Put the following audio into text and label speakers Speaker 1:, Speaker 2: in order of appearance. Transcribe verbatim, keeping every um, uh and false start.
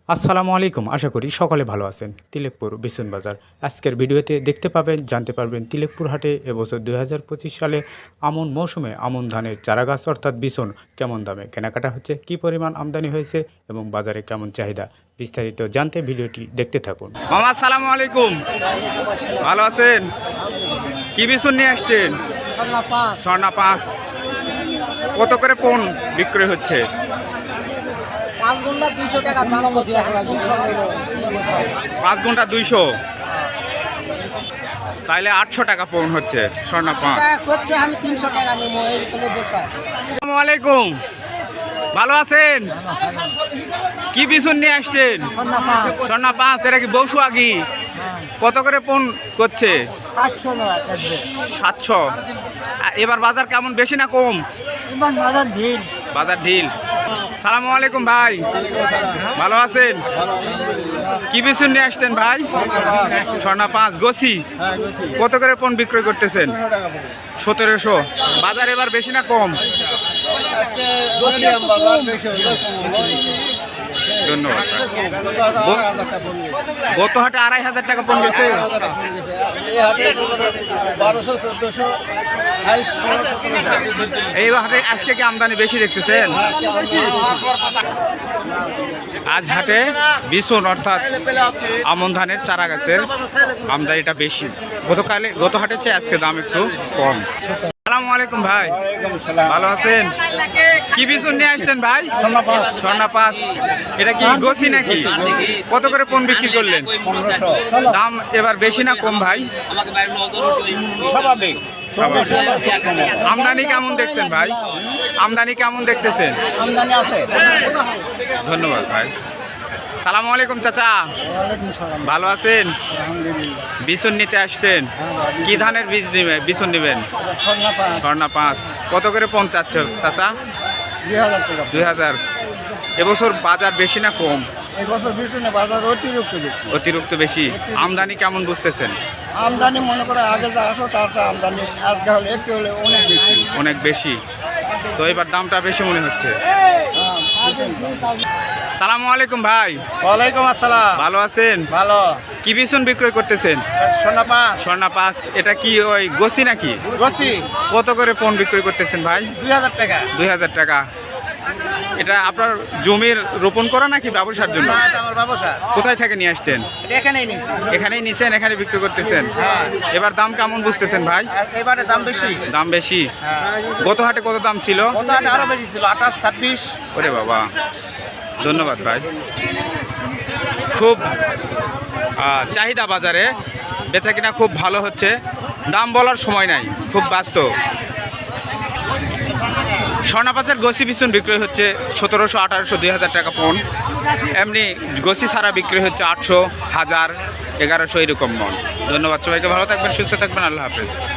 Speaker 1: আসসালামু আলাইকুম, আশা করি সকলে ভালো আছেন। তিলেকপুর বিছুন বাজার আজকের ভিডিওতে দেখতে পাবেন, জানতে পারবেন তিলেকপুর হাটে এবছর দুই হাজার পঁচিশ সালে আমন মৌসুমে আমন ধানের চারাগাছ অর্থাৎ বিছুন কেমন দামে কেনাকাটা হচ্ছে, কী পরিমাণ আমদানি হয়েছে এবং বাজারে কেমন চাহিদা। বিস্তারিত জানতে ভিডিওটি দেখতে থাকুন।
Speaker 2: মামা আসসালামু আলাইকুম, ভালো আছেন? কি বিছুন নিয়ে আসছেন? স্বর্ণা পাঁচ। কত করে পণ বিক্রি হচ্ছে?
Speaker 3: পাঁচ ঘন্টা দুইশো টাকা দাম হচ্ছে।
Speaker 2: পাঁচ ঘন্টা দুইশো, তাইলে আটশো টাকা পণ হচ্ছে স্বর্ণা পাঁচ।
Speaker 3: হচ্ছে আমি তিনশো টাকা নেবো এই বসে।
Speaker 2: আসসালামু আলাইকুম, ভালো আছেন? কি বিছুন নিয়ে আসছেন? স্বর্ণা পাঁচ। এটা কি বৌসু আগি? কত করে পণ করছে?
Speaker 3: সাতশো
Speaker 2: সাতশো। এবার বাজার কেমন, বেশি না কম?
Speaker 3: এবার বাজার ঢিল।
Speaker 2: বাজার ঢিল। সালামু আলাইকুম ভাই, ভালো আছেন? কি বিছুন নিয়ে আসছেন ভাই? স্বর্ণা পাঁচ গোছি। কত করে পণ বিক্রয় করতেছেন? সতেরোশো। বাজার এবার বেশি না কম? ধন্যবাদ। গত হাটে আড়াই হাজার টাকা পণ গেছে। এই হাটে আজকে কি আমদানি বেশি দেখতেছেন? আজ হাটে বিছুন অর্থাৎ আমন ধানের চারা গাছের আমদানিটা বেশি। গতকালে গত হাটের চেয়ে আজকে দাম একটু কম। আসসালামু আলাইকুম ভাই, ভালো আছেন? কি বিছুন নিয়ে আসছেন ভাই? স্বর্ণা পাঁচ। এটা কি গোছি নাকি? কত করে পণ বিক্রি করলেন? দাম এবার বেশি না কম ভাই?
Speaker 3: স্বাভাবিক।
Speaker 2: আমদানি কেমন দেখছেন ভাই? আমদানি কেমন দেখতেছেন?
Speaker 3: আমদানি আছে।
Speaker 2: ধন্যবাদ ভাই। সালামু আলাইকুম চাচা, ভালো আছেন? বিছুন নিতে আসছেন? কি ধানের বীজ নিবে বিছুন নেবেন? স্বর্ণা পাঁচ। কত করে পণ চাচ্ছে চাচা? দুই হাজার। এবছর বাজার বেশি না কম?
Speaker 3: বাজার অতিরিক্ত বেশি।
Speaker 2: অতিরিক্ত বেশি। আমদানি কেমন বুঝতেছেন?
Speaker 3: আমদানি মনে করে আগে যা আসো তার আমদানি আজকে হলে একটু হলে অনেক বেশি।
Speaker 2: অনেক বেশি। তো এবার দামটা বেশি মনে হচ্ছে। সালামু আলাইকুম ভাই,
Speaker 3: ওয়ালাইকুম আসসালাম।
Speaker 2: ভালো আছেন?
Speaker 3: ভালো।
Speaker 2: কি বিছুন বিক্রয় করতেছেন?
Speaker 3: সোনা পাঁচ।
Speaker 2: স্বর্ণা পাঁচ। এটা কি ওই গোছি নাকি?
Speaker 3: গোছি।
Speaker 2: কত করে পণ বিক্রয় করতেছেন ভাই?
Speaker 3: দুই হাজার টাকা।
Speaker 2: দুই হাজার টাকা। এটা আপনার জমির রোপণ করা নাকি ব্যবসার জন্য?
Speaker 3: না, এটা আমার ব্যবসা।
Speaker 2: কোথায় থেকে নিয়ে আসছেন?
Speaker 3: এটা এখানেই নিয়েছি।
Speaker 2: এখানেই নিছেন, এখানে বিক্রি করতেছেন?
Speaker 3: হ্যাঁ।
Speaker 2: এবার দাম কেমন বুঝতেছেন ভাই?
Speaker 3: আর এবারে দাম বেশি।
Speaker 2: দাম বেশি।
Speaker 3: হ্যাঁ।
Speaker 2: গত হাটে কত দাম ছিল?
Speaker 3: কত হাটে আরো বেশি ছিল, আঠাশ ছাব্বিশ।
Speaker 2: ওরে বাবা, ধন্যবাদ ভাই। খুব আহ, চাহিদা বাজারে, বেচা কিনা খুব ভালো হচ্ছে। দাম বলার সময় নাই, খুব ব্যস্ত। স্বর্ণা পাঁচের গোছি বিছুন বিক্রি হচ্ছে সতেরোশো, আঠারোশো, দুই হাজার টাকা পণ। এমনি গোছি ছাড়া বিক্রি হচ্ছে আটশো, হাজার, এগারোশো এরকম মন। ধন্যবাদ সবাইকে, ভালো থাকবেন, সুস্থ থাকবেন, আল্লাহ হাফেজ।